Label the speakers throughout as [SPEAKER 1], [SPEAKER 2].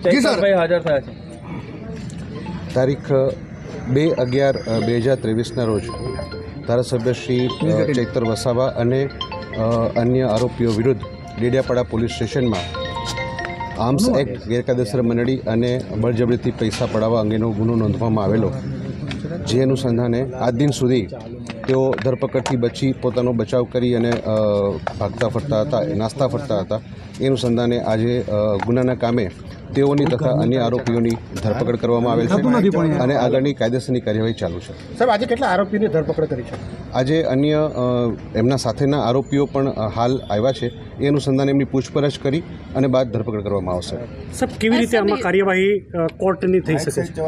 [SPEAKER 1] ચૈતરભાઈ હાજર થયા છે।
[SPEAKER 2] તારીખ 2/11/2023ના રોજ ધારાસભ્ય શ્રી ચૈતર વસાવા અને અન્ય આરોપીઓ વિરુદ્ધ ડેડિયાપાડા પોલીસ સ્ટેશનમાં આર્મ્સ એક્ટ ગેરકાયદેસર મંડળી અને બળજબરીથી પૈસા પડાવવા અંગેનો ગુનો નોંધવામાં આવેલો, જે અનુસંધાને આજ દિન સુધી તેઓ ધરપકડથી બચી પોતાનો બચાવ કરી અને ભાગતા ફરતા હતા, નાસ્તા ફરતા હતા। એ અનુસંધાને આજે ગુનાના કામે તેઓની તથા અન્ય આરોપીઓની ધરપકડ કરવામાં આવેલ છે અને આગળની કાયદેસરની કાર્યવાહી ચાલુ છે।
[SPEAKER 3] સાહેબ, આજે કેટલા આરોપીઓની ધરપકડ કરી છે?
[SPEAKER 2] આજે અન્ય એમના સાથેના આરોપીઓ પણ હાલ આવ્યા છે। એ અનુસંધાને એમની પૂછપરછ કરી અને બાદ ધરપકડ કરવામાં આવશે।
[SPEAKER 4] સાહેબ, કેવી રીતે આમાં કાર્યવાહી કોર્ટની થઈ શકે છે?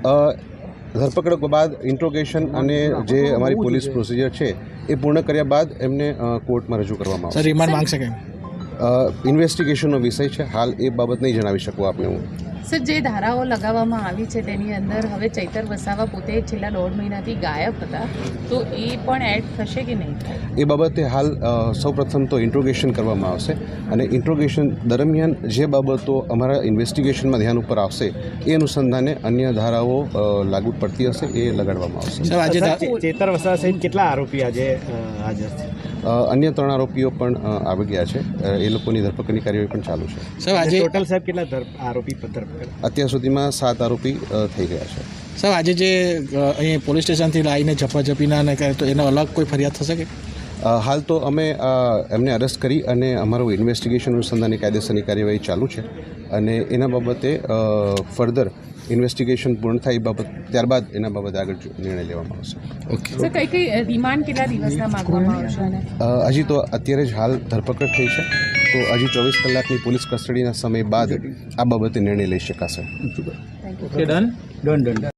[SPEAKER 2] ધરપકડ બાદ ઇન્ટ્રોગેશન અને જે અમારી પોલીસ પ્રોસિજર છે એ પૂર્ણ કર્યા બાદ એમને કોર્ટમાં રજૂ કરવામાં આવશે।
[SPEAKER 3] રિમાન્ડ માંગશે કે
[SPEAKER 2] ઇન્વેસ્ટિગેશનનો વિષય છે, હાલ એ બાબત નહીં જણાવી શકું આપને હું।
[SPEAKER 5] સર, જે ધારાઓ લગાવવામાં આવી છે તેની અંદર હવે ચૈતર વસાવા પોતે છેલ્લા 1.5 મહિનાથી ગાયબ હતા, તો એ પણ એડ થશે કે નહીં?
[SPEAKER 2] એ બાબતે હાલ સૌપ્રથમ તો ઇન્ટ્રોગેશન કરવામાં આવશે અને ઇન્ટ્રોગેશન દરમિયાન જે બાબતો અમારા ઇન્વેસ્ટિગેશનમાં ધ્યાન ઉપર આવશે એ અનુસંધાને અન્ય ધારાઓ લાગુ પડતી હશે એ લગાડવામાં આવશે।
[SPEAKER 3] આજે ચેતર વસાવા સહિત કેટલા આરોપી આજે હાજર છે?
[SPEAKER 2] અન્ય 3 આરોપીઓ પણ આવી ગયા છે, એ લોકોની ધરપકડની કાર્યવાહી પણ ચાલુ છે।
[SPEAKER 3] સાહેબ, આજે ટોટલ સાહેબ કેટલા આરોપી ધરપકડ?
[SPEAKER 2] અત્યાર સુધીમાં 7 આરોપી થઈ ગયા છે।
[SPEAKER 3] સાહેબ, આજે જે અહીં પોલીસ સ્ટેશનથી લાવીને ઝપાઝપીના ને કરે તો એનો અલગ કોઈ ફરિયાદ થશે કે?
[SPEAKER 2] હાલ તો અમે એમને અરેસ્ટ કરી અને અમારું ઇન્વેસ્ટિગેશન અનુસંધાનની કાયદેસરની કાર્યવાહી ચાલુ છે અને એના બાબતે ફર્ધર ઇન્વેસ્ટિગેશન પૂર્ણ થાય એ બાબત ત્યારબાદ એના બાબતે આગળ નિર્ણય લેવામાં આવશે।
[SPEAKER 3] ઓકે
[SPEAKER 5] સર, કઈ રિમાન્ડ કેટલા દિવસના માંગવામાં આવશે?
[SPEAKER 2] હજી તો અત્યારે જ હાલ ધરપકડ થઈ છે, તો હજી 24 કલાકની પોલીસ કસ્ટડીના સમય બાદ આ બાબતે નિર્ણય લઈ શકાશે।
[SPEAKER 1] ડન.